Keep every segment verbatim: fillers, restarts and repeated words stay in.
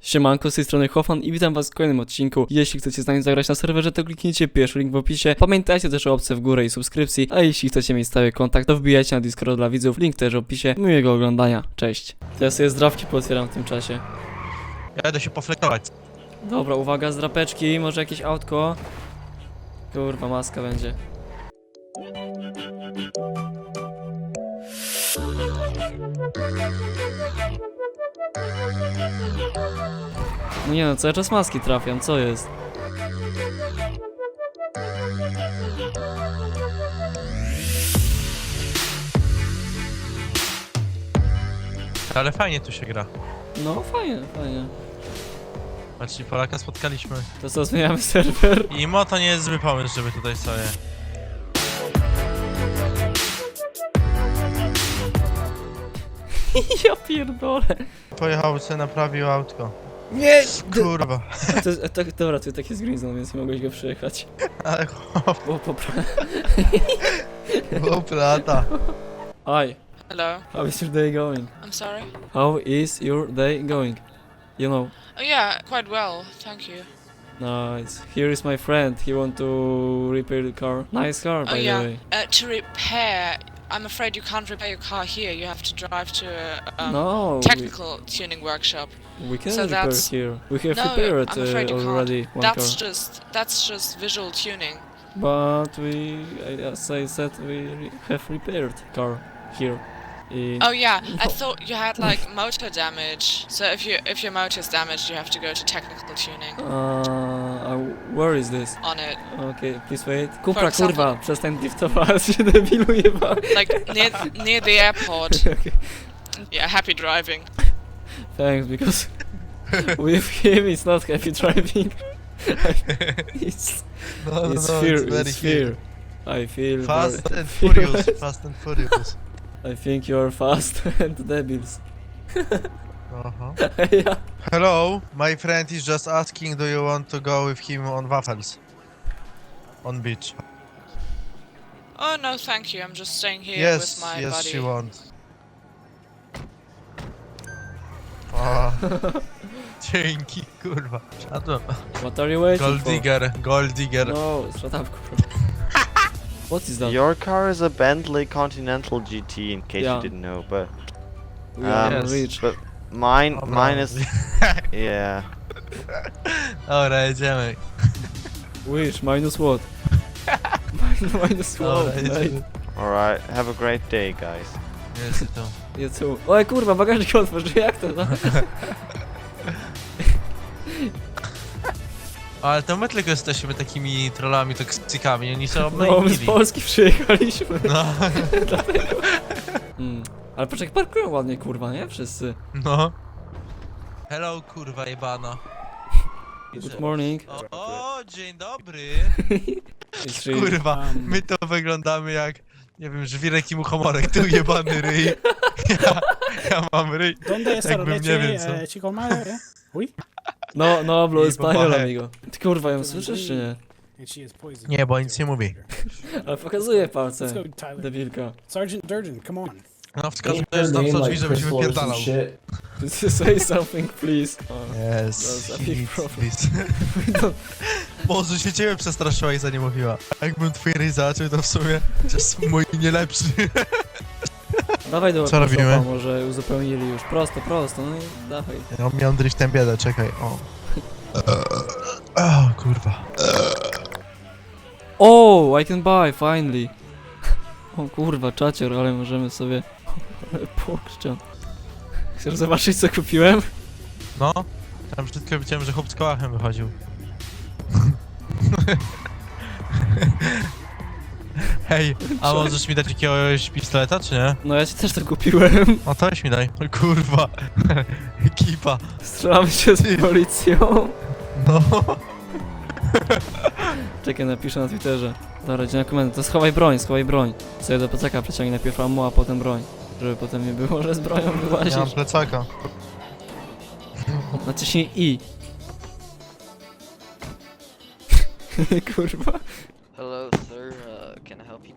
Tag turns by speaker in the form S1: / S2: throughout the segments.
S1: Siemanko, z tej strony Hofan i witam was w kolejnym odcinku. Jeśli chcecie z nami zagrać na serwerze, to kliknijcie pierwszy link w opisie. Pamiętajcie też o łapce w górę i subskrypcji, a jeśli chcecie mieć stały kontakt, to wbijajcie na Discord dla widzów, link też w opisie. Miłego oglądania, cześć. To ja sobie zdrawki pootwieram w tym czasie.
S2: Ja będę się poflekować.
S1: Dobra, uwaga, zdrapeczki, może jakieś autko. Kurwa, maska będzie. No nie no, cały czas maski trafiam, co jest?
S2: Ale fajnie tu się gra.
S1: No fajnie, fajnie.
S2: Patrzcie, Polaka spotkaliśmy.
S1: To co, zmieniamy serwer?
S2: I mo to nie jest zły pomysł, żeby tutaj sobie...
S1: Ja pierdolę.
S2: Pojechał sobie, naprawił autko.
S1: Nie!
S2: Kurwa.
S1: To, jest- to, dobra, to tak jest green zone, więc nie mogłeś go przejechać.
S2: Ale chłop,
S1: Bo popra...
S2: chłop lata.
S1: Hi,
S3: Hello.
S1: how is your day going?
S3: I'm sorry.
S1: How is your day going? You know,
S3: Oh yeah, quite well, thank you.
S1: nice. Here is my friend, he want to repair the car. Nice car, by
S3: Oh
S1: the
S3: yeah.
S1: way.
S3: Uh, to repair, I'm afraid you can't repair your car here. You have to drive to a um,
S1: No,
S3: technical tuning workship.
S1: we, we can
S3: So
S1: repair
S3: that's-
S1: here. We have
S3: No,
S1: repaired
S3: I'm afraid
S1: uh,
S3: you
S1: already
S3: can't.
S1: one
S3: That's
S1: car.
S3: just that's just visual tuning.
S1: But we, as I said, we re have repaired car here. In...
S3: Oh yeah, I thought you had like motor damage. So if you if your motor is damaged, you have to go to technical tuning
S1: Uh, uh, where is this?
S3: on it.
S1: Okay, please wait. Kupra,
S3: example-
S1: kurwa, przestań driftować, się debilu jeba.
S3: Like near near the airport.
S1: Okay.
S3: Yeah, happy driving.
S1: Thanks, because with him it's not happy driving. it's
S2: No, no,
S1: it's
S2: no,
S1: fear,
S2: it's very
S1: it's fear. I feel
S2: Fast
S1: very-
S2: and furious, fast and furious.
S1: I think you are fast and debils.
S2: Uh-huh.
S1: Yeah.
S2: Hello, my friend is just asking, do you want to go with him on waffles? On beach.
S3: Oh no, thank you. I'm just staying here
S2: Yes,
S3: with my
S2: yes,
S3: buddy.
S2: she wants. O, dzięki, kurwa. Szadłem.
S1: What are you waiting
S2: Gold
S1: for?
S2: digger, gold digger.
S1: No, shut up, kurwa. What is that?
S4: Your car is a Bentley Continental G T, in case
S1: Yeah.
S4: you didn't know, but
S1: We are
S4: um,
S1: rich.
S4: but mine,
S2: Dobra.
S4: mine is yeah.
S2: Dobra, jedziemy.
S1: Wish, minus what? Min- minus
S2: Dobra,
S1: what, mate?
S4: Oh,
S2: jedziemy.
S4: All right, have a great day, guys.
S2: Jest to.
S1: Ja tu. Oj kurwa, bagażnik otworzył, jak to? No?
S2: Ale to my tylko jesteśmy takimi trollami, toksykami, oni są
S1: No, my z
S2: obmyślili.
S1: Polski przyjechaliśmy.
S2: No,
S1: Mm. Ale poczekaj, parkują ładnie, kurwa, nie? Wszyscy.
S2: no. Hello, kurwa jebana.
S1: Good morning.
S2: O, o, dzień dobry.
S1: It's really-
S2: Kurwa, my to wyglądamy jak, nie wiem, żwirek i muchomorek, tu jebany ryj. Ja, ja mam ryj.
S5: ¿Dónde está la
S2: Jakbym nie
S5: leche,
S2: wiem co.
S5: eh, chico madre? Uy,
S1: No, no, hablo
S2: I
S1: español,
S2: popache.
S1: amigo. Ty kurwa, ją słyszysz, czy nie?
S5: and she is poisoned.
S2: Nie, bo nic nie mówi.
S1: Ale pokazuje
S5: Let's
S1: palce.
S5: go, Tyler.
S1: Debilka.
S5: Sergeant Durden, come on.
S2: No, wskazuje, że tam co drzwi, żeby się wypierdalał.
S1: Say something, please. O.
S2: Yes,
S1: That's a
S2: he
S1: big
S2: needs
S1: problem.
S2: this. Boże, się ciebie przestraszyła i za nie mówiła. Jakbym twój ryj zaczął, to w sumie jest mój nie lepszy.
S1: Dawaj do
S2: Co robimy?
S1: workshopa, może uzupełnili już. Prosto, prosto, no i dawaj.
S2: Ja miałem driftem biedę, czekaj, o. O, kurwa.
S1: Oh, I can buy, finally. O kurwa, czacior, ale możemy sobie... Ale pokrzczam. Chcesz zobaczyć, co kupiłem?
S2: No, tam wszystko widziałem, że chłop z kołachem wychodził. Hej, a możesz mi dać jakiegoś pistoleta, czy nie?
S1: No ja ci też to kupiłem.
S2: No to weź mi daj. O kurwa. Ekipa.
S1: Strzelamy się z policją.
S2: No.
S1: Czekaj, napiszę na Twitterze. Dobra, idzie na komendę. To schowaj broń, schowaj broń. Sobie do plecaka przeciągnij najpierw ammo, a potem broń. Żeby potem nie było, że z bronią
S2: Ja mam
S1: wyłazisz.
S2: plecaka.
S1: Naciśnij I. Kurwa.
S6: Hello, sir. Uh, can I help you?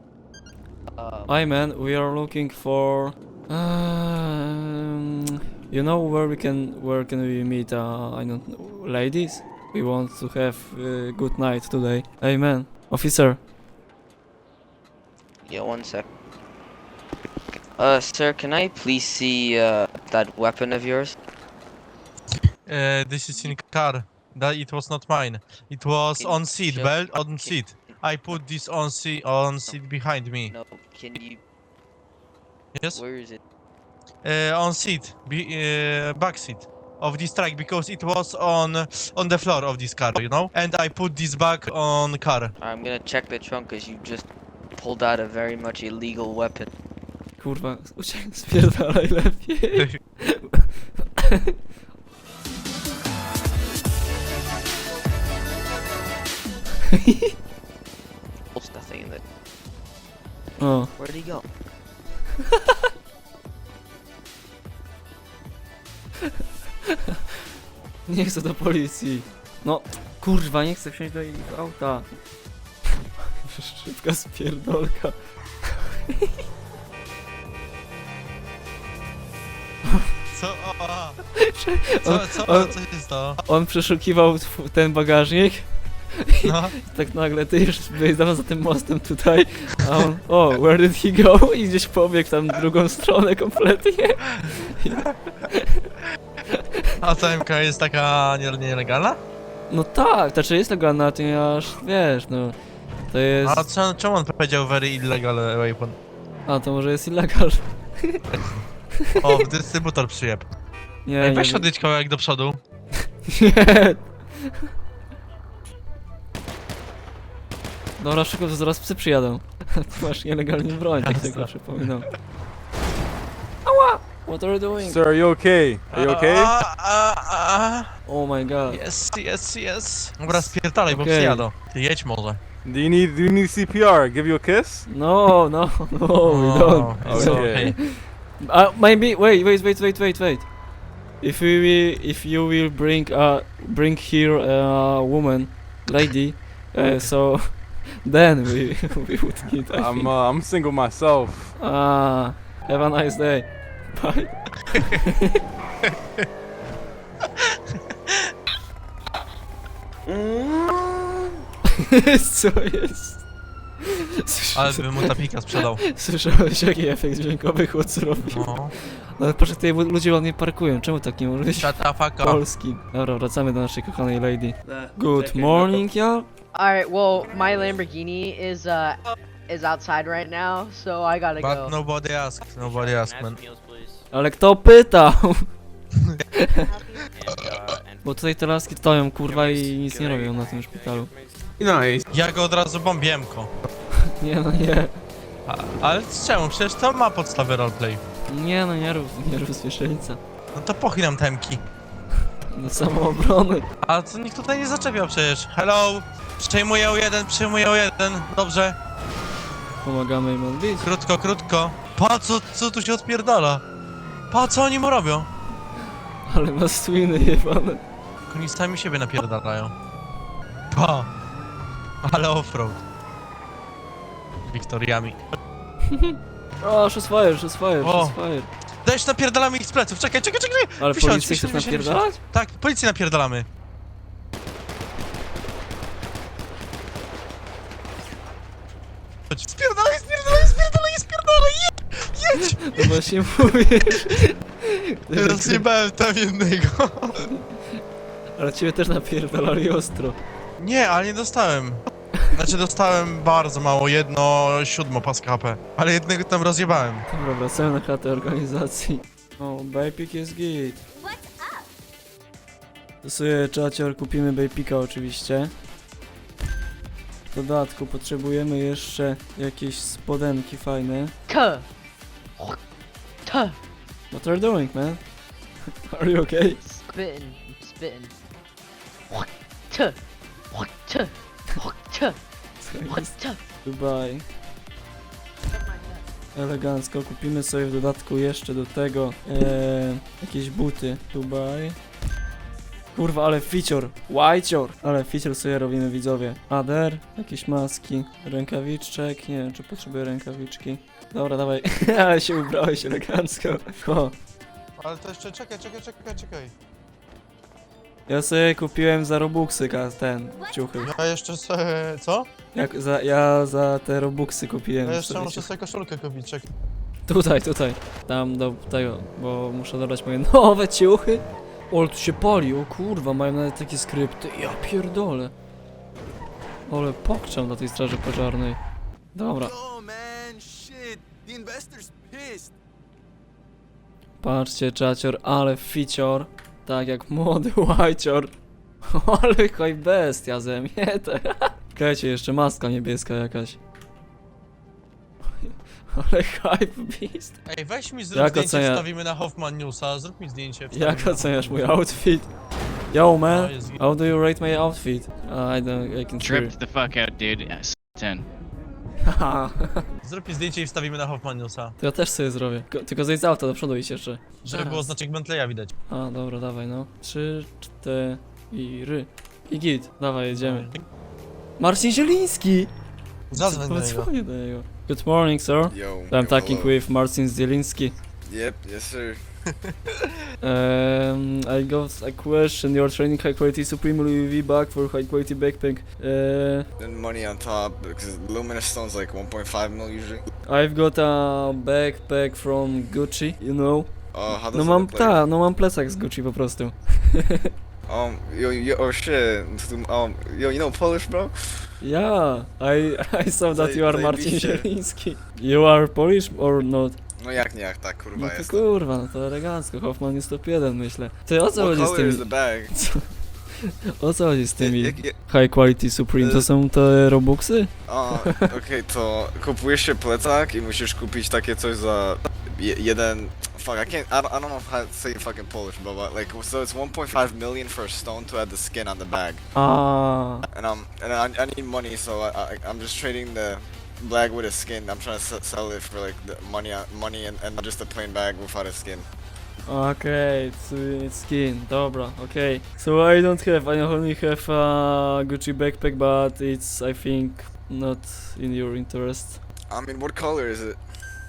S6: Um,
S1: Hi man, we are looking for... Um, You know where we can where can we meet? Uh, I don't know, ladies. We want to have a good night today. Hey man, officer.
S6: Yeah, one sec. Uh, sir, can I please see uh that weapon of yours?
S2: Uh, this is in car. That it was not mine. It was
S6: Can
S2: on
S6: you
S2: seat
S6: show-
S2: belt on
S6: can-
S2: seat. I put this on seat on seat behind me.
S6: No, can you?
S2: Yes.
S6: Where is it?
S2: Uh, on seat, be, uh, back seat of this truck because it was on on the floor of this car, you know. And I put this back on car.
S6: I'm gonna check the trunk because you just pulled out a very much illegal weapon.
S1: Kurwa, uciekaj, spierdalaj lepiej.
S6: What's the thing that?
S1: O,
S6: Where'd he go?
S1: nie chcę do policji. No, kurwa, nie chcę wsiąść do ich auta. Szybka spierdolka.
S2: Co? O, a. Co, co,
S1: on-
S2: co się stało?
S1: On przeszukiwał tw- ten bagażnik.
S2: No.
S1: Tak nagle ty już byłeś dawno za tym mostem tutaj, a on, o, where did he go? I gdzieś pobiegł tam w drugą stronę kompletnie.
S2: A ta M K jest taka nie- nielegalna?
S1: No tak, to czy jest legalna, to nie aż, wiesz, no, to jest,
S2: A co, czemu on powiedział very illegal weapon?
S1: a to może jest illegal.
S2: O, dystrybutor przyjeb.
S1: Nie,
S2: Ej,
S1: nie,
S2: weź
S1: wiem.
S2: odjedź kawałek do przodu.
S1: Nie. Dobra, szybko, to zaraz psy przyjadą. Ty masz nielegalnie broń, tak tylko przypominam. Ała! What are you doing?
S7: Sir, are you okay? Are you okay?
S2: A, a, a.
S1: Oh my god.
S2: Yes, yes, yes. Dobra, spierdalaj, bo
S1: Okej.
S2: przyjadą. Ty jedź może.
S7: Do you need do you need C P R? Give you a kiss?
S1: No, no, no, we
S2: O,
S1: don't.
S2: it's
S7: Okay.
S1: Uh, maybe, wait, wait, wait, wait, wait, wait. If we will, if you will bring, uh, bring here a woman, lady, uh, so then we, we would need, I
S7: I'm
S1: think.
S7: uh, I'm single myself.
S1: Ah, have a nice day. Bye. Co jest?
S2: Ale bym mu tapika sprzedał.
S1: Słyszałeś jaki efekt dźwiękowy chłop zrobił?
S2: No.
S1: No ale proszę, tutaj ludzie ładnie parkują, czemu tak nie może być
S2: Shut the fuck up.
S1: polski? Dobra, wracamy do naszej kochanej lady. Good morning, y'all.
S8: Alright, well, my Lamborghini is uh is outside right now, so I gotta
S2: But
S8: go.
S2: nobody asked, nobody asked, man.
S1: Ale kto pytał? Bo tutaj te laski stoją, kurwa, i nic nie robią na tym szpitalu.
S2: Ja go od razu bombiemko.
S1: Nie no, nie.
S2: A, ale czemu? Przecież to ma podstawy roleplay.
S1: Nie no, nie rób, nie rób zwierzęca.
S2: No to pochylam temki.
S1: Do samoobrony.
S2: A co nikt tutaj nie zaczepiał przecież. Hello! Przejmuję o jeden, przejmuję o jeden. Dobrze.
S1: Pomagamy im odbić.
S2: Krótko, krótko. Pa, co, co tu się odpierdala? Pa, co oni mu robią?
S1: Ale ma swiny jebane.
S2: Oni sami siebie napierdalają. Pa! Ale offroad. Wiktoriami.
S1: O, shots fire, fire,
S2: O.
S1: fire.
S2: Dajesz napierdalamy ich z pleców. Czekaj, czekaj, czekaj!
S1: Ale
S2: Wysiądź,
S1: policję chcesz
S2: wysiądź, wysiądź,
S1: napierdalać?
S2: Tak, policję napierdalamy. Chodź. Spierdalaj, spierdalaj, spierdalaj, spierdalaj, jedź! Jedź!
S1: No właśnie mówisz.
S2: Rozjebałem tam jednego.
S1: Ale ciebie też napierdalali ostro.
S2: Nie, ale nie dostałem. Znaczy dostałem bardzo mało, jedno siódmo paska H P. Ale jednego tam rozjebałem.
S1: Dobra, wracamy na chatę organizacji. O, Bajpik jest git. To sobie czacior kupimy Bajpika oczywiście. W dodatku potrzebujemy jeszcze jakieś spodenki fajne.
S8: Tuh. Tuh.
S1: What are you doing, man? Are you okay?
S8: Spitting. Spitting. Tuh. Tuh. Tuh.
S1: Co jest?
S8: Tuh.
S1: Dubai. Elegancko. Kupimy sobie w dodatku jeszcze do tego e, jakieś buty. Dubai. Kurwa, ale feature. Whitecior. Ale feature sobie robimy, widzowie. Ader. Jakieś maski. Rękawiczek. Nie wiem, czy potrzebuję rękawiczki. Dobra, dawaj. Ale się ubrałeś elegancko. O.
S2: Ale to jeszcze czekaj, czekaj, czekaj, czekaj.
S1: Ja sobie kupiłem za Robuxy ka- ten, ciuchy.
S2: Ja jeszcze sobie... co?
S1: Jak za, ja za te Robuxy kupiłem.
S2: Ja jeszcze
S1: sobie
S2: muszę
S1: ciuchy.
S2: sobie koszulkę kupić, czekaj.
S1: Tutaj, tutaj. Tam do tego, bo muszę dodać moje nowe ciuchy. O, ale tu się pali, o kurwa, mają nawet takie skrypty. Ja pierdolę. Ale pokczam na tej straży pożarnej. Dobra. Patrzcie, czacior, ale ficior. Tak jak młody łajcior. Ale hoj bestia ze mnie te. Czekajcie, jeszcze maska niebieska jakaś. Ale hype beast.
S2: Ej, weź mi zrób
S1: Jak
S2: zdjęcie,
S1: ocenia-
S2: wstawimy na Hoffman Newsa, zrób mi zdjęcie. wstawimy
S1: Jak
S2: na
S1: oceniasz mój
S2: Hoffman
S1: outfit? Yo man,
S2: No, jest git.
S1: how do you rate my outfit? Uh, I don't, I can
S9: Tripped the fuck out, dude. Yes, ten.
S1: Haha.
S2: News. Zrób mi zdjęcie i wstawimy na Hoffman Newsa.
S1: To ja też sobie zrobię. Tylko- Tylko zejdź z auta, do przodu iść jeszcze.
S2: Żeby było znaczek Bentleya widać.
S1: A, dobra, dawaj no. Trzy, cztery i ry. I git, dawaj, jedziemy. Marcin Zieliński!
S2: Zadzwoń do niego.
S1: Zadzwonię do niego. Good morning, sir.
S10: Yo.
S1: I'm talking
S10: hello.
S1: with Marcin Zielinski.
S10: Yep, yes sir.
S1: Um, I got a question. You're training high quality Supreme Louis V bag for high quality backpack. Uh,
S10: Then money on top because luminous stone's like one point five mil usually.
S1: I've got a backpack from Gucci, you know.
S10: Uh, how does
S1: No
S10: it
S1: mam,
S10: look like?
S1: ta, no mam plecak z Gucci po prostu.
S10: Um, yo, yo, oh shit. Um, yo, you know Polish, bro?
S1: Yeah, I I saw that
S10: Zaj-
S1: you are Marcin
S10: zajebiście.
S1: Zieliński. You are Polish or not?
S10: No jak nie, jak tak, kurwa
S1: No to
S10: jest.
S1: kurwa, no to elegancko, Hoffman jest top jeden myślę. Ty o co
S10: What
S1: chodzi z
S10: color
S1: tymi,
S10: is the bag?
S1: o co chodzi z tymi
S10: Jak- jak-
S1: high quality Supreme, to
S10: Y-
S1: są te Robuxy?
S10: A, okej, to kupujesz się plecak i musisz kupić takie coś za je, jeden... Fuck, I can't, I don't, I don't know how to say it fucking Polish, bro, but like, so it's one point five million for a stone to add the skin on the bag.
S1: A,
S10: And um, and I, I need money, so I, I, I'm just trading the bag with a skin. I'm trying to s- sell it for like the money, on- money, and, and just a plain bag without a skin.
S1: okay, it's, it's skin, dobra, okay. So I don't have, I only have a Gucci backpack, but it's, I think, not in your interest.
S10: I mean, what color is it?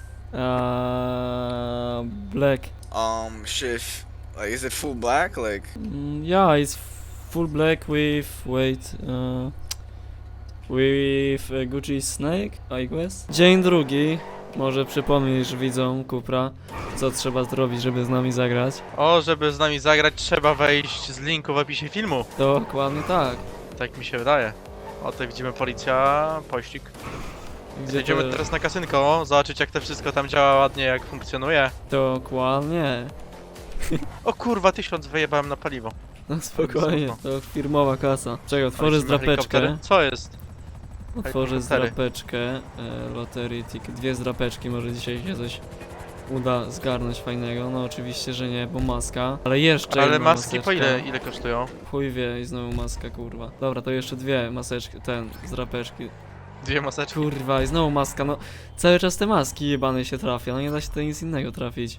S1: Uh, black.
S10: Um, shit. Like, is it full black? Like,
S1: Mm, yeah, it's full black with, wait, uh, with a Gucci snake, I guess. Dzień drugi. Może przypomnisz widzom Kupra, co trzeba zrobić, żeby z nami zagrać.
S2: O, żeby z nami zagrać, trzeba wejść z linku w opisie filmu.
S1: Dokładnie tak.
S2: Tak mi się wydaje. O, tutaj widzimy policja, pościg.
S1: Gdzie
S2: Jedziemy
S1: to-
S2: teraz na kasynko, zobaczyć jak to wszystko tam działa ładnie, jak funkcjonuje.
S1: Dokładnie.
S2: O kurwa, tysiąc wyjebałem na paliwo.
S1: No spokojnie,
S2: Spoko.
S1: to firmowa kasa. Czego, otworzę
S2: Lecimy
S1: zdrapeczkę.
S2: helikoptery. Co jest?
S1: Otworzę
S2: helikoptery.
S1: zdrapeczkę. E, loterii, tik, dwie zdrapeczki, może dzisiaj się coś uda zgarnąć fajnego. No oczywiście, że nie, bo maska. Ale jeszcze
S2: Ale
S1: jedna
S2: maski po
S1: maseczka.
S2: ile, ile kosztują?
S1: Chuj wie i znowu maska, kurwa. Dobra, to jeszcze dwie maseczki, ten, zdrapeczki.
S2: Dwie maseczki.
S1: Kurwa, i znowu maska, no. Cały czas te maski jebane się trafia, no nie da się to nic innego trafić.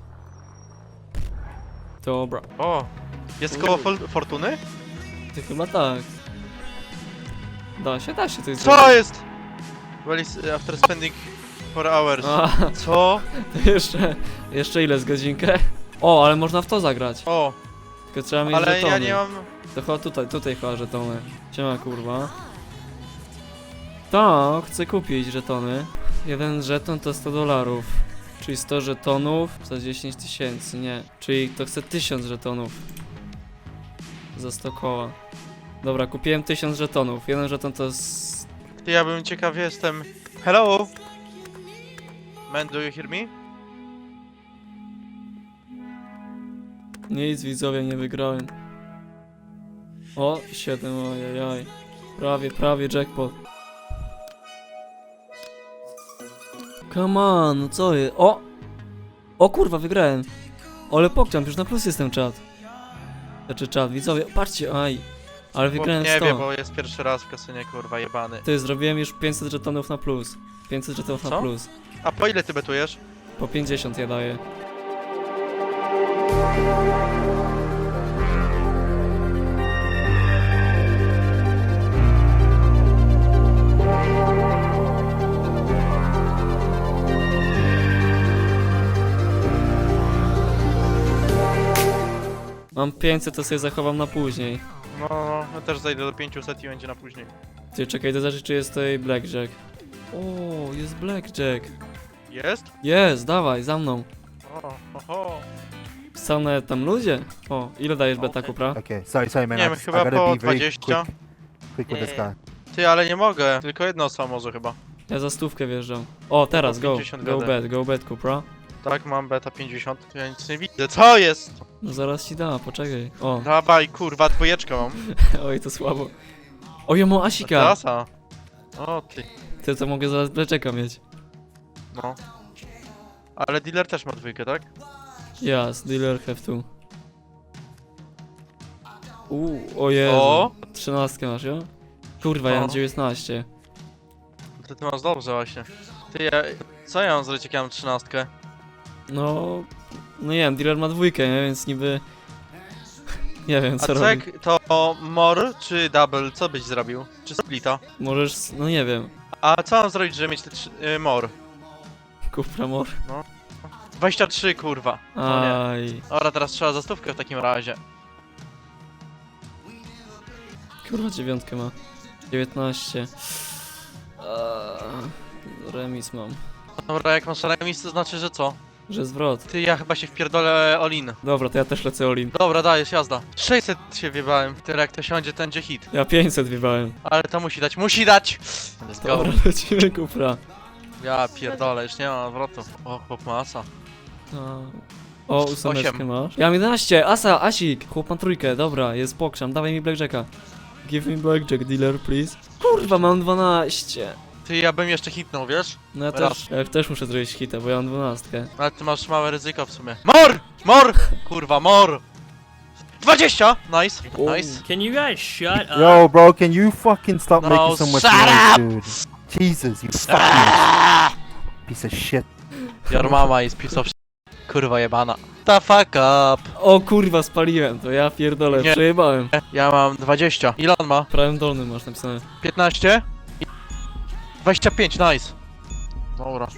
S1: Dobra.
S2: O, jest koło fol- fortuny?
S1: Ty chyba tak. Da się, da się coś
S2: Co
S1: zrobić.
S2: jest? Well, is after spending four hours.
S1: A,
S2: Co?
S1: to jeszcze, jeszcze ile z godzinkę? O, ale można w to zagrać.
S2: O,
S1: Tylko trzeba mieć
S2: ale
S1: żetony.
S2: ja nie mam...
S1: To chyba tutaj, tutaj chyba żetony. Siema kurwa. Tak, chcę kupić żetony. Jeden żeton to sto dolarów. Czyli sto żetonów za dziesięć tysięcy, nie. Czyli to chcę tysiąc żetonów. Za sto koła. Dobra, kupiłem tysiąc żetonów. Jeden żeton to jest...
S2: Ja bym ciekaw jestem... Hello? Man, do you hear me?
S1: Nic widzowie, nie wygrałem. O, siedem, ojajaj. Prawie, prawie jackpot. Come on, no co jest? O! O kurwa, wygrałem. Ale pokczam, już na plus jestem czat. Znaczy czat, widzowie, patrzcie, aj. Ale wygrałem
S2: Bo, nie
S1: sto.
S2: wiem, bo jest pierwszy raz w kasynie, kurwa, jebany.
S1: Ty, zrobiłem już pięćset żetonów na plus. pięćset żetonów na
S2: Co?
S1: plus.
S2: A po ile ty betujesz?
S1: Po pięćdziesiąt ja daję. Mam pięćset, to sobie zachowam na później.
S2: No, no, ja też zajdę do pięciuset i będzie na później.
S1: Ty, czekaj, to znaczy, czy jest tutaj blackjack. O, jest blackjack.
S2: Jest?
S1: Jest, dawaj, za mną.
S2: O, oho.
S1: Są nawet tam ludzie. O, ile dajesz beta,
S2: Okej.
S1: Kupra?
S11: Okay, sorry, sorry, man.
S2: Nie
S11: I
S2: wiem,
S11: just- I
S2: chyba
S11: gotta
S2: po
S11: be very
S2: dwadzieścia.
S11: quick, quick with this
S6: Yeah.
S11: guy.
S2: Ty, ale nie mogę. Tylko jedna osoba może chyba.
S1: Ja za stówkę wjeżdżam. O, teraz, go,
S2: pięćdziesiąt
S1: go
S2: gadę.
S1: bet, go bet, Kupra.
S2: Tak, mam beta pięćdziesiąt. Ja nic nie widzę. Co jest?
S1: No zaraz ci da, poczekaj. O,
S2: Dawaj, kurwa, dwójeczkę mam.
S1: oj, to słabo. O, ja mam Asika.
S2: Klasa. O, ty.
S1: Ty to mogę zaraz blackjacka mieć.
S2: No. Ale dealer też ma dwójkę, tak?
S1: Yes, dealer have to. Uuu, o Jezu.
S2: O!
S1: Trzynastkę masz, jo? Kurwa, ja mam
S2: O.
S1: dziewiętnaście.
S2: To ty masz dobrze właśnie. Ty, ja... Co ja mam zrobić, jak ja mam trzynastkę?
S1: No... No nie wiem, dealer ma dwójkę, nie? Więc niby... Nie wiem,
S2: A
S1: co
S2: co
S1: robi.
S2: jak to more czy double? Co byś zrobił? Czy splita?
S1: Możesz... s- No nie wiem.
S2: A co mam zrobić, żeby mieć te trzy... Y, more?
S1: Kupra mor.
S2: dwadzieścia trzy, kurwa. No nie.
S1: Aj.
S2: Dobra, teraz trzeba za stówkę w takim razie.
S1: Kurwa, dziewiątkę ma. dziewiętnaście. Eee, remis mam.
S2: Dobra, jak masz remis, to znaczy, że co?
S1: Że zwrot.
S2: Ty, ja chyba się wpierdolę all-in.
S1: Dobra, to ja też lecę Olin.
S2: Dobra, dajesz, jazda. sześćset się wybałem. Tyle jak to siądzie, ten będzie hit.
S1: Ja pięćset wybałem.
S2: Ale to musi dać, musi dać! Let's go.
S1: Dobra, lecimy Kupra.
S2: Ja pierdolę, już nie mam odwrotu. O, chłop masa.
S1: A. O, ósemeczkę
S2: Osiem.
S1: masz. Ja mam jedenaście, Asa, Asik. Chłop ma trójkę, dobra, jest pokrzam, dawaj mi blackjacka. Give me blackjack, dealer, please. Kurwa, mam dwanaście.
S2: Ty, ja bym jeszcze hitnął, wiesz?
S1: No ja
S2: Raz.
S1: też, ja też muszę zrobić hita, bo ja mam dwunastkę.
S2: Ale ty masz małe ryzyko w sumie. Mor! Mor! Kurwa, mor! dwadzieścia! Nice, nice.
S5: Can you guys shut up?
S11: Yo, bro, can you fucking stop
S2: No,
S11: making so much
S2: shut
S11: noise, dude? Jesus, you fucking piece of shit.
S2: Your mama is piece of shit. Kurwa jebana. The fuck up.
S1: O kurwa, spaliłem to, ja pierdolę,
S2: Nie.
S1: przejebałem.
S2: Ja mam dwadzieścia. Ile on ma?
S1: W prawym dolnym masz napisane.
S2: piętnaście? dwadzieścia pięć, nice. Dobra.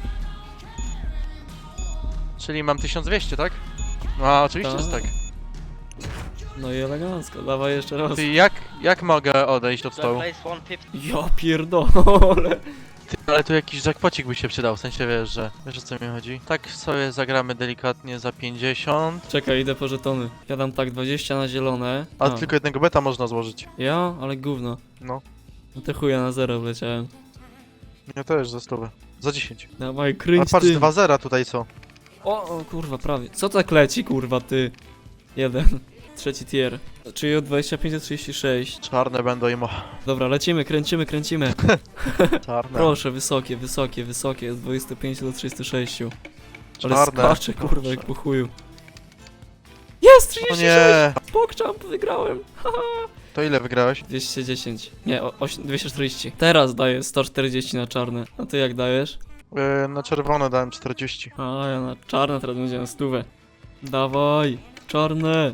S2: Czyli mam tysiąc dwieście, tak? No, oczywiście, że tak.
S1: No i elegancko, dawaj jeszcze raz.
S2: Ty, jak, jak mogę odejść od stołu?
S6: Place one fifty.
S1: Ja pierdolę.
S2: Ty, ale tu jakiś jackpocik by się przydał, w sensie wiesz, że... Wiesz, o co mi chodzi? Tak sobie zagramy delikatnie za pięćdziesiąt.
S1: Czekaj, idę po żetony. Ja dam tak dwadzieścia na zielone.
S2: A tylko jednego beta można złożyć.
S1: Ja? Ale gówno.
S2: No.
S1: No to chuja na zero wleciałem.
S2: Ja też za stówę. Za dziesięć.
S1: Dawaj,
S2: A
S1: kręć
S2: patrz,
S1: tym.
S2: dwa zera tutaj są.
S1: O, o kurwa, prawie. Co tak leci, kurwa, ty? Jeden. Trzeci tier. Czyli od dwadzieścia pięć do trzydziestu sześciu.
S2: Czarne będą i mo...
S1: Dobra, lecimy, kręcimy, kręcimy.
S2: Czarne.
S1: Proszę, wysokie, wysokie, wysokie. Od dwudziestu pięciu do trzydziestu sześciu. Ale
S2: Czarne.
S1: skacze, kurwa, jak po chuju. Jest!
S2: O
S1: trzydzieści
S2: nie!
S1: sześć! Pokczamp, wygrałem! Haha.
S2: To ile wygrałeś?
S1: dwieście dziesięć. Nie, o- oś- dwieście czterdzieści. Teraz daję sto czterdzieści na czarne. A ty jak dajesz?
S2: Yy, na czerwone dałem czterdzieści.
S1: A ja na czarne teraz będzie na stówę. Dawaj! Czarne!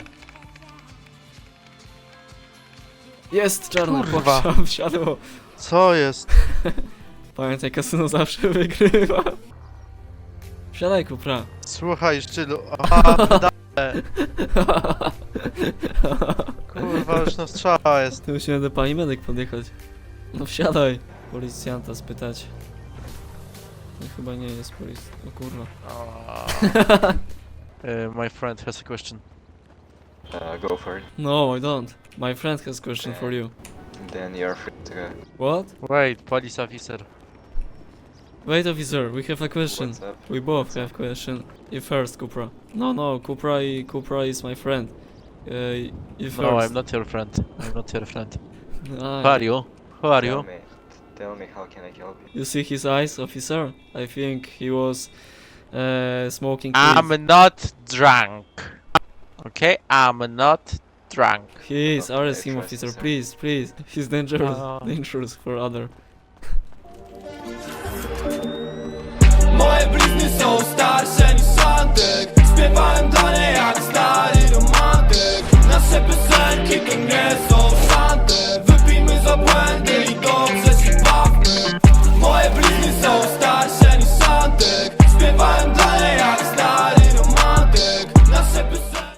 S1: Jest czarne!
S2: Kurwa.
S1: Pokczamp, wsiadło.
S2: Co jest?
S1: Pamiętaj, kasyno zawsze wygrywa. Wsiadaj, Kupra.
S2: Słuchaj, szczylu. Aha, pedale. Kurwa, już na strzała jest.
S1: Tu musimy do pani medyk podjechać. No wsiadaj. Policjanta spytać. No, chyba nie jest polic... O kurwa.
S2: Uh, my friend has a question.
S12: Uh, go for it.
S1: No, I don't. My friend has a question for you.
S12: Then you're free to go.
S1: What?
S2: Wait, police officer.
S1: Wait, officer, we have a question.
S12: What's up?
S1: We both have question. You first, Kupra. No, no, Kupra, i- Kupra is my friend. Uh, you first.
S2: No, I'm not your friend. I'm not your friend.
S1: Ah,
S2: Who are you? Who are
S12: Tell
S2: you?
S12: me, tell me how can I help you?
S1: You see his eyes, officer? I think he was uh, smoking weed.
S2: I'm not drunk. Okay, I'm not drunk.
S1: He is,
S12: Okay,
S1: arrest him,
S12: trust
S1: officer,
S12: me, sir.
S1: please, please. He's dangerous,
S2: Uh.
S1: dangerous for other.
S13: Moje blizny są starsze niż Santek. Śpiewałem dla niej jak